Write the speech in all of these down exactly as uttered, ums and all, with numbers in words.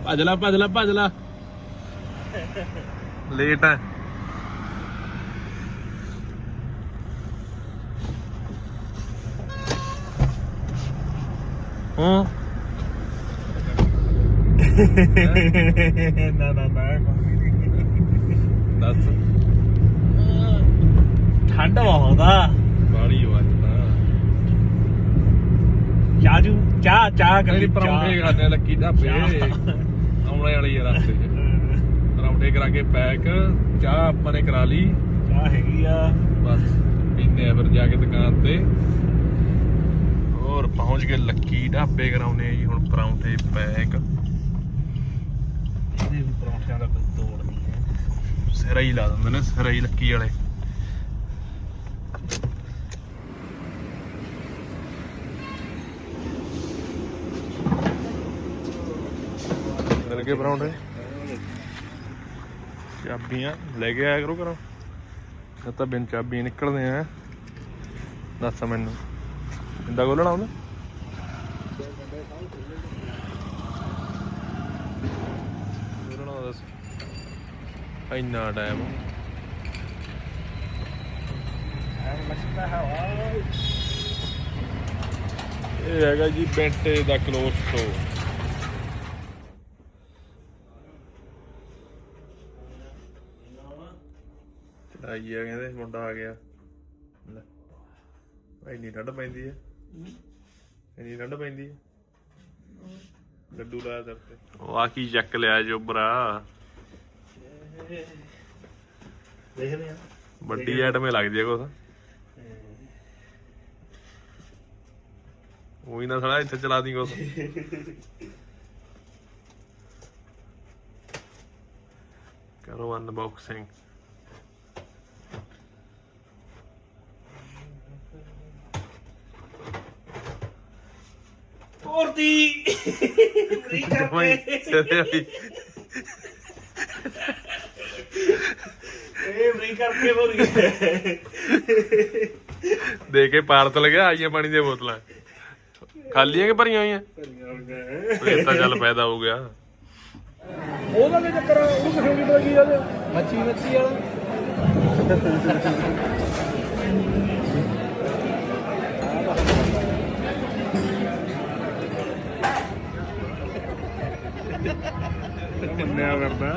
ਭੱਜ ਲਾ ਭੱਜ ਲਾ ਭੱਜ ਲਾ ਲੇਟ ਹੈ ਹਾਂ ਨਾ ਨਾ ਨਾ ਦੱਸ ਠੰਡ ਬਹੁਤ ਆ ਬਾੜੀ ਵੱਜਦਾ ਚਾਜੂ ਚਾਹ ਚਾਹ ਕਰੀ ਪਰੌਂਠੇ ਖਾਣੇ ਲੱਕੀ ਢਾਬੇ ਆਉਣੇ ਵਾਲੀ ਆ ਰਸਤੇ 'ਚ ਪਰੌਂਠੇ ਕਰਾ ਕੇ ਪੈਕ ਚਾਹ ਆਪਾਂ ਨੇ ਕਰਾ ਲਈ ਚਾਹ ਹੈਗੀ ਆ ਬਸ ਪੀਨੇ ਆ ਫਿਰ ਜਾ ਕੇ ਦੁਕਾਨ ਤੇ ਹੋਰ ਪਹੁੰਚ ਗਏ ਲੱਕੀ ਢਾਬੇ ਕਰਾਉਨੇ ਜੀ ਹੁਣ ਪਰੌਂਠੇ ਪੈਕ ਇਹਦੇ ਵੀ ਪਰੌਂਠਿਆਂ ਦਾ ਕੋਈ ਤੋੜ ਨਹੀਂ ਹੈ ਸਿਰਾ ਹੀ ਲਾ ਦਿੰਦੇ ਨੇ ਸਿਰਾ ਹੀ ਲੱਕੀ ਵਾਲੇ ਮਿਲ ਗਏ ਪਰੌਂਠੇ ਚਾਬੀਆਂ ਲੈ ਕੇ ਆਇਆ ਕਰੋ ਘਰੋਂ ਇਹ ਤਾਂ ਬਿਨ ਚਾਬੀ ਨਿਕਲਦੇ ਆ ਦੱਸ ਮੈਨੂੰ ਕਿੱਦਾਂ ਖੋਲਣਾ ਹੁੰਦਾ ਖੋਲਣਾ ਦੱਸ ਇੰਨਾ ਟਾਈਮ ਇਹ ਹੈਗਾ ਜੀ ਬੈਂਟੇ ਦਾ ਕਲੋਥ ਸਟੋਰ ਆਈ ਆ ਕਹਿੰਦੇ ਮੁੰਡਾ ਆ ਗਿਆ ਇੰਨੀ ਠੰਡ ਪੈਂਦੀ ਹੈ ਇੰਨੀ ਠੰਡ ਪੈਂਦੀ ਹੈ ਲੱਡੂ ਲਾਇਆ ਦਰ ਤੇ ਉਹ ਆ ਕੀ ਚੱਕ ਲਿਆ ਜੋਬਰਾ ਦੇਖਦੇ ਆ ਵੱਡੀ ਆਈਟਮੇ ਲੱਗਦੀ ਆ ਕੁਛ ਉਹੀ ਨਾ ਸਾਲਾ ਇੱਥੇ ਚਲਾ ਦੀ ਕੁਛ ਕਰੋ ਅਨਬਾਕਸਿੰਗ Porti! ਦੇ ਕੇ ਪਾਰ ਤੋਂ ਲੱਗਿਆ ਆਈਆਂ ਪਾਣੀ ਦੀਆਂ ਬੋਤਲਾਂ ਖਾਲੀਆਂ ਕਿ ਭਰੀਆਂ ਹੋਈਆਂ ਇਹ ਤਾਂ ਚੱਲ ਪੈਦਾ ਹੋ ਗਿਆ ਉਹਦਾ ਕੀ ਚੱਕਰ ਉਹ ਕਿਹੜੀ ਲੱਗੀ ਉਹਦੇ ਮੱਛੀ ਮੱਛੀ ਵਾਲਾ ਮੰਨਿਆ ਕਰਦਾ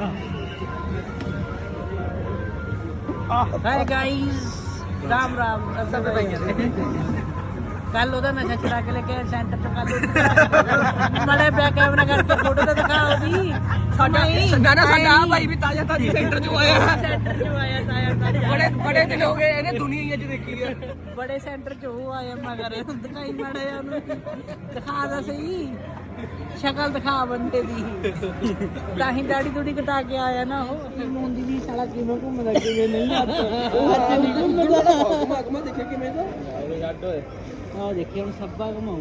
ਹਾਈ ਗਾਇਸ ਰਾਮ ਰਾਮ ਸਭ ਭਾਈਆਂ ਕੱਲ ਉਹਦਾ ਨਸ਼ਾ ਛੁਡਾ ਕੇ ਲੈ ਕੇ ਸੈਂਟਰ ਤੋਂ ਕੱਲ ਮੜੇ ਬੈਕ ਕੈਮਰਾ ਕਰਕੇ ਫੋਟੋ ਤਾਂ ਦਿਖਾਓ ਵੀ ਸਾਡਾ ਸਾਡਾ ਸਾਡਾ ਭਾਈ ਵੀ ਤਾਜ਼ਾ ਤਾਜ਼ਾ ਸੈਂਟਰ ਚੋਂ ਆਇਆ ਸੈਂਟਰ ਚੋਂ ਆਇਆ ਤਾਜ਼ਾ ਤਾਜ਼ਾ ਬੜੇ ਬੜੇ ਦਿਨ ਹੋ ਗਏ ਇਹਨੇ ਦੁਨੀਆ 'ਚ ਦੇਖੀ ਹੈ ਬੜੇ ਸੈਂਟਰ ਚੋਂ ਉਹ ਆਇਆ ਮਗਰ ਦਿਖਾਈ ਮਾੜਾ ਉਹਨੂੰ ਦਿਖਾ ਦਾ ਸਹੀ ਸ਼ਕਲ ਦਿਖਾ ਬੰਦੇ ਦੀ ਤਾਂ ਹੀ ਦਾੜੀ ਦੂੜੀ ਕਟਾ ਕੇ ਆਇਆ ਨਾ ਉਹ ਮੁੰਡੀ ਦੀ ਸਾਲਾ ਕਿਵੇਂ ਘੁੰਮਦਾ ਕਿਵੇਂ ਨਹੀਂ ਹੱਥ ਉਹ ਹੱਥ ਨਹੀਂ ਘੁੰਮਦਾ ਘੁਮਾ ਦੇਖਿਆ ਕਿਵੇਂ ਦਾ ਰੱਡ ਹੋਏ ਆਹ ਦੇਖੀ ਹੁਣ ਸੱਬਾ ਘੁਮਾਉ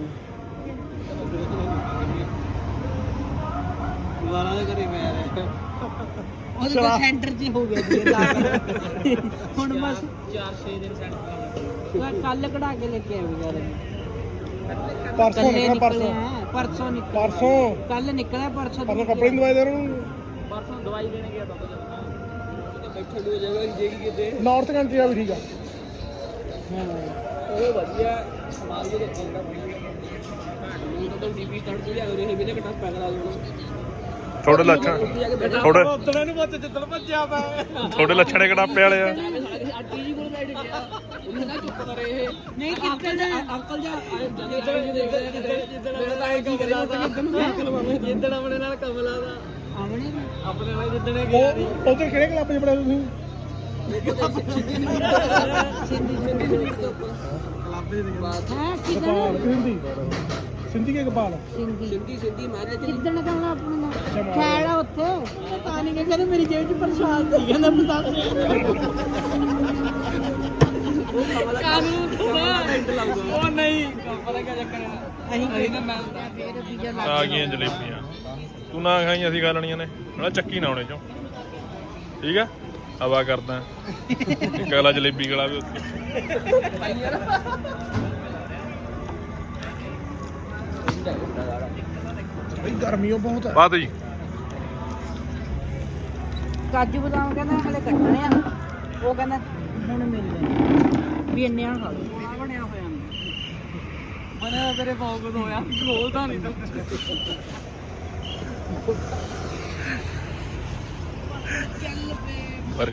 ਦੁਬਾਰਾ ਦੇ ਕਰੀ ਮੈਂ ਉਹਦੇ ਕੋਲ ਸੈਂਟਰ 'ਚ ਹੋ ਗਿਆ ਜੀ ਹੁਣ ਬਸ ਚਾਰ ਛੇ ਦਿਨ ਸੈਂਟਰ ਕੱਲ ਕਢਾ ਕੇ ਲੈ ਕੇ ਆਇਆ ਯਾਰ ਪਰਸੋਂ ਨਿਕਲਿਆ ਪਰਸੋਂ ਪਰਸੋਂ ਨਿਕਲਿਆ ਪਰਸੋਂ ਕੱਲ ਨਿਕਲਿਆ ਪਰਸੋਂ ਪਰਸੋਂ ਕੱਪੜੇ ਦੀ ਦਵਾਈ ਦੇ ਰਹੇ ਨੂੰ ਪਰਸੋਂ ਦਵਾਈ ਦੇਣ ਗਿਆ ਬਾਬਾ ਜੀ ਬੈਠੇ ਦੋ ਜਗ੍ਹਾ ਜੇਗੀ ਕਿਤੇ ਨਾਰਥ ਕੰਟਰੀ ਆ ਵੀ ਠੀਕ ਆ ਹਾਂ ਉਹ ਵਧੀਆ ਸਮਾਨ ਦੇ ਚੰਗਾ ਬਣਿਆ ਤਾਂ ਡੀਪੀ ਸਟਾਰਟ ਹੋ ਗਿਆ ਉਹ ਇਹ ਵੀਰੇ ਘਟਾ ਪੈਗ ਲਾ ਦੇਣਾ ਥੋੜੇ ਲੱਛਣ ਥੋੜੇ ਉਤਲੇ ਨੂੰ ਬੱਤ ਜਿੱਦਣ ਭੱਜਿਆ ਪਾ ਥੋੜੇ ਲੱਛਣੇ ਕਟਾਪੇ ਵਾਲੇ ਆ ਆਂਟੀ ਜੀ ਕੋਲ ਬੈਠ ਗਿਆ ਉਹਨੇ ਨਾ ਚੁੱਪ ਕਰੇ ਇਹ ਨਹੀਂ ਕਿੱਥੇ ਜਾ ਅੰਕਲ ਜਾ ਜਿੱਦਣ ਤਾਂ ਇਹ ਕੀ ਕਰਿਆ ਜਿੱਦਣ ਆਪਣੇ ਨਾਲ ਕਮਲਾ ਦਾ ਆਪਣੇ ਆਪਣੇ ਨਾਲ ਜਿੱਦਣ ਗਿਆ ਉਧਰ ਕਿਹੜੇ ਕਲੱਬ 'ਚ ਪੜਿਆ ਤੁਸੀਂ ਸਿੰਧੀ ਸਿੰਧੀ ਕਲੱਬ ਦੇ ਬਾਤ ਹੈ ਕਿਦਾਂ ਸਿੰਧੀ ਸਿੰਧੀ ਕੇ ਕਪਾਲ ਸਿੰਧੀ ਸਿੰਧੀ ਸਿੰਧੀ ਮਾਰੇ ਕਿੱਦਣ ਕਮਲਾ ਆਪਣਾ ਖੈੜ ਆ ਉੱਥੇ ਤਾਂ ਨਹੀਂ ਕਹਿੰਦੇ ਮੇਰੀ ਜੇਬ 'ਚ ਪ੍ਰਸ਼ਾਦ ਸੀ ਕਹਿੰਦਾ ਪਤਾ ਉਹ ਨਹੀਂ ਪਤਾ ਕੀ ਚੱਕਰ ਹੈ ਅਸੀਂ ਨਾ ਮੈਂ ਆ ਗਈਆਂ ਜਲੇਬੀਆਂ ਤੂੰ ਨਾ ਖਾਈ ਅਸੀਂ ਖਾ ਲੈਣੀਆਂ ਨੇ ਨਾਲੇ ਚੱਕੀ ਨਾ ਆਉਣੇ ਚੋਂ ਠੀਕ ਆ ਹਵਾ ਕਰਦਾ ਇੱਕ ਅਗਲਾ ਜਲੇਬੀ ਗਲਾ ਵੀ ਉੱਥੇ ਗਰਮੀ ਬਹੁਤ ਹੈ ਬਾਤ ਜੀ ਕਾਜੂ ਬਦਾਮ ਕਹਿੰਦਾ ਹਲੇ ਕੱਟਣੇ ਆ, ਉਹ ਕਹਿੰਦਾ ਹੁਣ ਮਿਲਦੇ ਵੀ ਇੰਨੇ ਆ ਖਾ ਲਓ। ਆ ਬਣਿਆ ਹੋਇਆ ਮਨੇ ਤੇਰੇ ਫੋਕਸ ਹੋਇਆ, ਖੋਲਦਾ ਨਹੀਂ ਤੂੰ। ਚੱਲ ਪੇ